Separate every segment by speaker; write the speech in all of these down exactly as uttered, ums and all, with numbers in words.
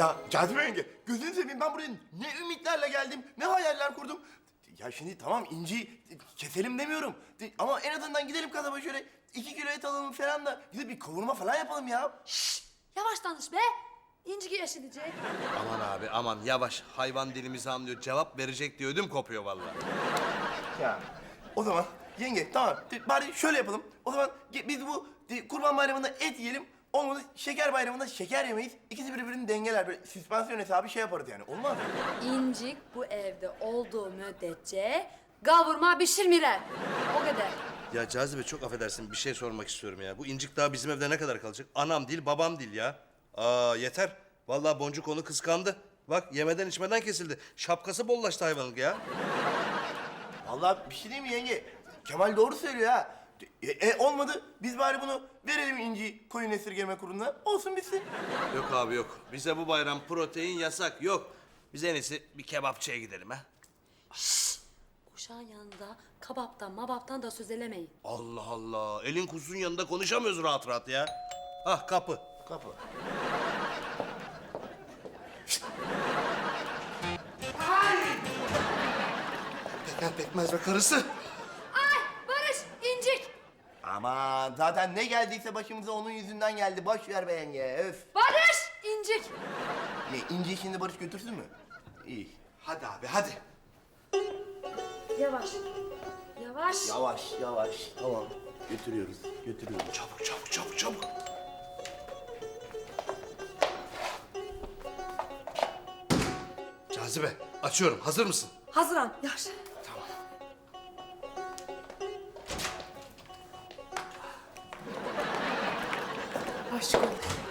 Speaker 1: Ya Cazibe yenge, gözünü seveyim, ben buraya ne ümitlerle geldim, ne hayaller kurdum. Ya şimdi tamam İnci'yi keselim demiyorum. Ama en azından gidelim kasaba şöyle iki kilo et alalım falan da gidip bir kavurma falan yapalım ya.
Speaker 2: Yavaş tanış be. İnci yaşayacak.
Speaker 3: Aman abi aman yavaş. Hayvan dilimizi anlıyor. Cevap verecek diye ödüm kopuyor vallahi.
Speaker 1: Ya o zaman yenge tamam bari şöyle yapalım. O zaman ge- biz bu e, kurban bayramında et yiyelim. Olmadı şeker bayramında şeker yemeyiz. İkisi birbirini dengeler, böyle süspansiyon hesabı şey yaparız yani, olmaz mı?
Speaker 2: İncik bu evde olduğu müddetçe kavurma pişirmirer. O kadar.
Speaker 3: Ya Cazibe çok affedersin bir şey sormak istiyorum ya. Bu incik daha bizim evde ne kadar kalacak? Anam değil babam değil ya. Aa yeter. Vallahi Boncuk onu kıskandı. Bak yemeden içmeden kesildi. Şapkası bollaştı hayvanın ya.
Speaker 1: Vallahi bir şey değil mi yenge? Kemal doğru söylüyor ha. E, e, olmadı biz bari bunu verelim İnci'yi koyun esirgeme kuruluna. Olsun bitsin.
Speaker 3: Yok abi yok. Bize bu bayram protein yasak. Yok. Biz en iyisi bir kebapçıya gidelim ha.
Speaker 2: Kuşağın yanında kabaptan mabaptan da söz elemeyin.
Speaker 3: Allah Allah. Elin kuzusunun yanında konuşamıyoruz rahat rahat ya. Ah kapı.
Speaker 1: Kapı.
Speaker 3: Peker pekmez ve karısı.
Speaker 2: Ay Barış, İncik.
Speaker 1: Aman zaten ne geldiyse başımıza onun yüzünden geldi. Boş ver be yenge. Öf.
Speaker 2: Barış, İncik.
Speaker 1: Ne İnci'yi şimdi Barış götürsün mü? İyi.
Speaker 3: Hadi abi hadi.
Speaker 2: Yavaş. Yavaş.
Speaker 1: Yavaş yavaş. Tamam. Götürüyoruz. Götürüyoruz.
Speaker 3: Çabuk çabuk çabuk çabuk. Cazibe açıyorum. Hazır mısın?
Speaker 2: Hazıran. Yavaş.
Speaker 3: Tamam.
Speaker 2: Aşkım.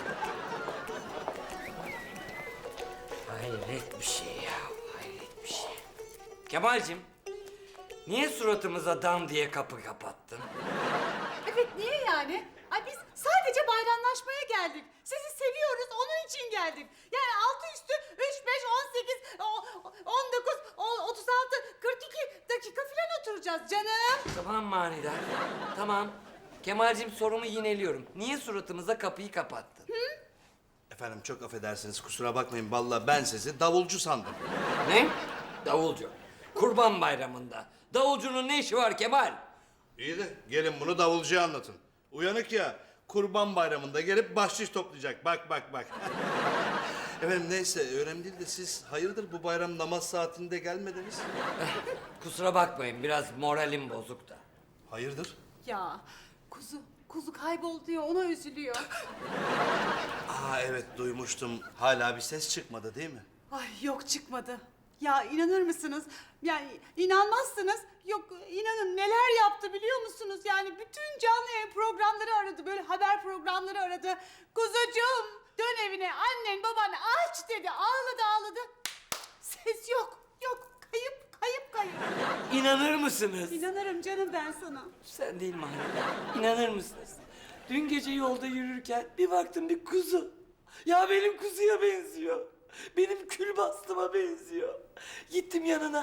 Speaker 4: Hayret bir şey ya, hayret bir şey. Kemal'cim, niye suratımıza dam diye kapı kapattın?
Speaker 5: Evet, niye yani? Ay biz sadece bayramlaşmaya geldik. Sizi seviyoruz, onun için geldik. Yani altı üstü üç, beş, on sekiz, on dokuz, otuz altı, kırk iki dakika falan oturacağız canım.
Speaker 4: Tamam manidar, tamam. Kemal'cim sorumu yineliyorum. Niye suratımıza kapıyı kapattın?
Speaker 3: Efendim çok affedersiniz kusura bakmayın. Vallahi ben sizi davulcu sandım.
Speaker 4: Ne? Davulcu. Kurban bayramında. Davulcunun ne işi var Kemal?
Speaker 3: İyi de gelin bunu davulcuya anlatın. Uyanık ya kurban bayramında gelip bahşiş toplayacak. Bak bak bak. Efendim neyse önemli değil de siz hayırdır bu bayram namaz saatinde gelmediniz?
Speaker 4: Kusura bakmayın, biraz moralim bozuk da.
Speaker 3: Hayırdır?
Speaker 5: Ya kuzu, kuzu kayboldu ya, ona üzülüyor.
Speaker 3: Aa evet duymuştum. Hala bir ses çıkmadı değil mi?
Speaker 5: Ay yok, çıkmadı. Ya inanır mısınız? Yani inanmazsınız. Yok inanın neler yaptı biliyor musunuz? Yani bütün canlı yayın programları aradı. Böyle haber programları aradı. Kuzucuğum dön evine, annen baban aç dedi. Ağladı ağladı. Ses yok. Yok. Kayıp kayıp kayıp.
Speaker 4: İnanır mısınız?
Speaker 5: İnanırım canım ben sana.
Speaker 4: Sen değil manidar. İnanır mısınız? Dün gece yolda yürürken bir baktım bir kuzu. Ya benim kuzuya benziyor. Benim kül bastıma benziyor. Gittim yanına.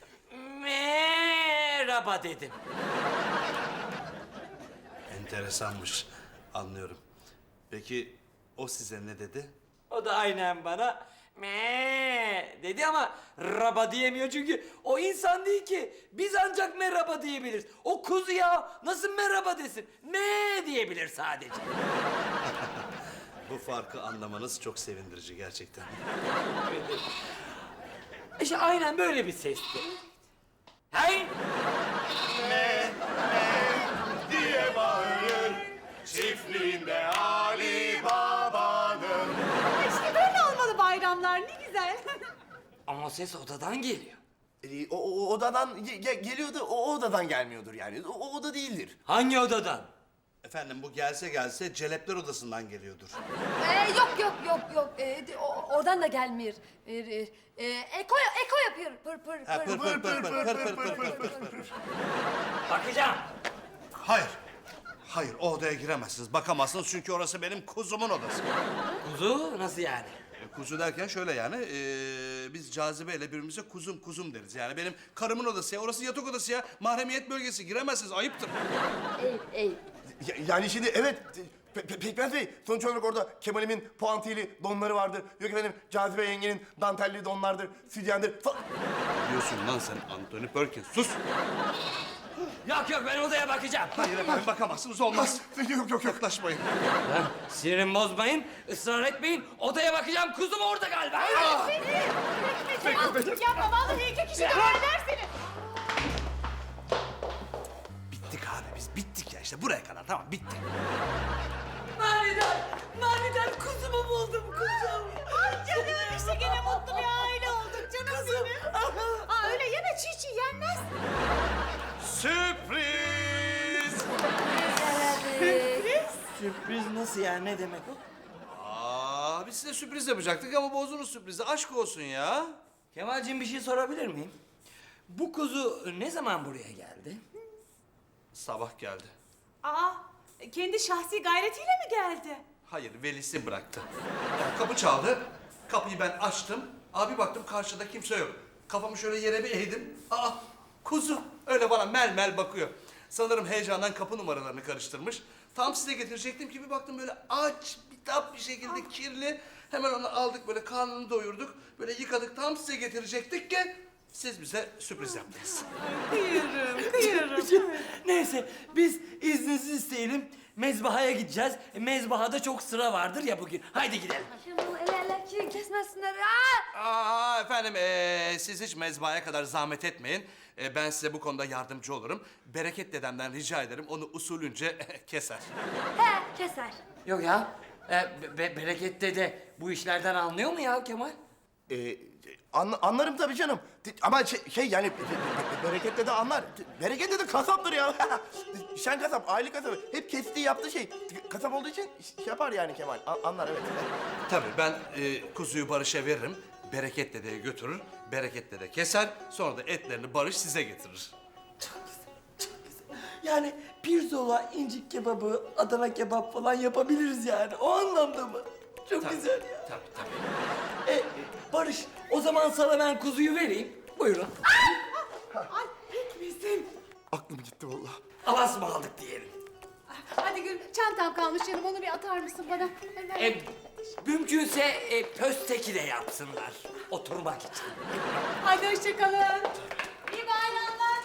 Speaker 4: Merhaba dedim.
Speaker 3: Enteresanmış. Anlıyorum. Peki o size ne dedi?
Speaker 4: O da aynen bana me dedi ama raba diyemiyor çünkü o insan değil ki. Biz ancak merhaba diyebiliriz. O kuzu ya nasıl merhaba desin? Me diyebilir sadece.
Speaker 3: Bu farkı anlamanız çok sevindirici gerçekten.
Speaker 4: İşte aynen böyle bir sesti. Hey!
Speaker 1: Diye bağırır çiftliğinde Ali Baba'nın.
Speaker 5: İşte böyle olmalı bayramlar, ne güzel.
Speaker 4: Ama ses odadan geliyor.
Speaker 1: Ee, o, o odadan ge- ge- geliyordu, o odadan gelmiyordur yani. O, o oda değildir.
Speaker 4: Hangi odadan?
Speaker 3: Efendim bu gelse gelse celepler odasından geliyordur.
Speaker 2: Ee, yok yok yok yok. Ee, de- o- oradan da gelmiyor. Ee, e, e, eko eko yapıyor. Pır pır
Speaker 3: Ha,
Speaker 2: pır.
Speaker 3: pır pır pır pır pır pır pır pır pır pır.
Speaker 4: Bakacağım.
Speaker 3: Hayır. Hayır o odaya giremezsiniz. Bakamazsınız çünkü orası benim kuzumun odası.
Speaker 4: Kuzu nasıl yani?
Speaker 3: E, Kuzu derken şöyle yani e, biz Cazibe ile birbirimize kuzum kuzum deriz. Yani benim karımın odası ya orası yatak odası ya. Mahremiyet bölgesi giremezsiniz ayıptır.
Speaker 2: Ey ey.
Speaker 1: Ya- yani şimdi evet Pe- Pe- Pekmez Bey, sonuç olarak orada Kemal'imin puantiyeli donları vardır. Yok efendim, Cazibe yengenin dantelli donlardır, sütyendir falan.
Speaker 3: Diyorsun lan sen Anthony Perkins. Sus.
Speaker 4: Yok yok ben odaya bakacağım.
Speaker 3: Hayır efendim bakamazsınız olmaz.
Speaker 1: Yok yok yok.
Speaker 3: Yaklaşmayın.
Speaker 4: Lan sinirimi bozmayın, ısrar etmeyin. Odaya bakacağım, kuzum orada galiba.
Speaker 5: Yapma vallahi iki kişi döverler seni.
Speaker 3: Bittik abi biz bittik ya işte buraya kadar tamam bitti.
Speaker 4: Manidar, manidar kuzumu buldum kuzum.
Speaker 5: Ay canım işte gene mutlu bir aile olduk canım benim. Aa öyle yeme çiğ çiğ yenmez.
Speaker 3: Sürpriz!
Speaker 4: Sürpriz nasıl ya, ne demek o?
Speaker 3: Aa, biz size sürpriz yapacaktık ama bozdunuz sürprizi. Aşk olsun ya.
Speaker 4: Kemalciğim bir şey sorabilir miyim? Bu kuzu ne zaman buraya geldi?
Speaker 3: Sabah geldi.
Speaker 5: Aa kendi şahsi gayretiyle mi geldi?
Speaker 3: Hayır, velisi bıraktı. Yani kapı çaldı. Kapıyı ben açtım. Abi baktım karşıda kimse yok. Kafamı şöyle yere bir eğdim. Aa, kuzu. Öyle bana mel mel bakıyor. Sanırım heyecandan kapı numaralarını karıştırmış. Tam size getirecektim ki bir baktım böyle aç, bitap bir şekilde kirli. Hemen onu aldık böyle karnını doyurduk. Böyle yıkadık tam size getirecektik ki siz bize sürpriz yaptınız.
Speaker 5: Kıyırım kıyırım.
Speaker 4: Neyse biz izninizi isteyelim. Mezbahaya gideceğiz. E, Mezbahada çok sıra vardır ya bugün. Haydi gidelim.
Speaker 2: Şimdi bu el ele ki kesmesinler. Aa!
Speaker 3: Aa efendim ee, siz hiç mezbahaya kadar zahmet etmeyin. Ee, ben size bu konuda yardımcı olurum. Bereket dedemden rica ederim onu usulünce keser.
Speaker 2: He keser.
Speaker 4: Yok ya. E, be- be- Bereket dede bu işlerden anlıyor mu ya Kemal?
Speaker 1: Ee, anla- anlarım tabii canım. Ama şey, şey yani be- be- be- berekette de anlar. Berekette de kasaptır ya. Şen kasap, aile kasabı. Hep kestiği yaptığı şey. Kasap olduğu için şey yapar yani Kemal. A- anlar evet.
Speaker 3: Tabii ben e, kuzuyu Barış'a veririm. Bereket dedeye götürür. Bereket dede keser. Sonra da etlerini Barış size getirir.
Speaker 4: Yani pirzola, incik kebabı, Adana kebap falan yapabiliriz yani. O anlamda mı? Çok güzel ya.
Speaker 3: Tabii tabii.
Speaker 4: E, Barış, o zaman sana ben kuzuyu vereyim. Buyurun.
Speaker 5: Ay pekmezim.
Speaker 1: Aklım gitti vallahi.
Speaker 4: Alas mı aldık diyelim.
Speaker 5: Hadi Gül çantam kalmış canım onu bir atar mısın bana? Hemen.
Speaker 4: E, mümkünse e, pösteki de yapsınlar. Oturmak için.
Speaker 5: Hadi hoşça kalın. İyi bayramlar.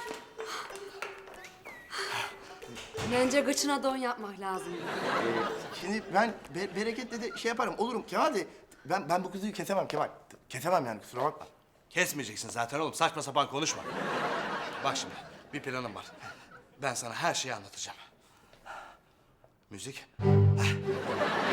Speaker 2: Bence gıçına don yapmak lazım.
Speaker 1: Şimdi ben be- bereketle de şey yaparım. Olurum Kemal de ben ben bu kuzuyu kesemem Kemal. Kesemem yani kusura bakma.
Speaker 3: Kesmeyeceksin zaten oğlum. Saçma sapan konuşma. Bak şimdi bir planım var. Ben sana her şeyi anlatacağım. Müzik. Heh.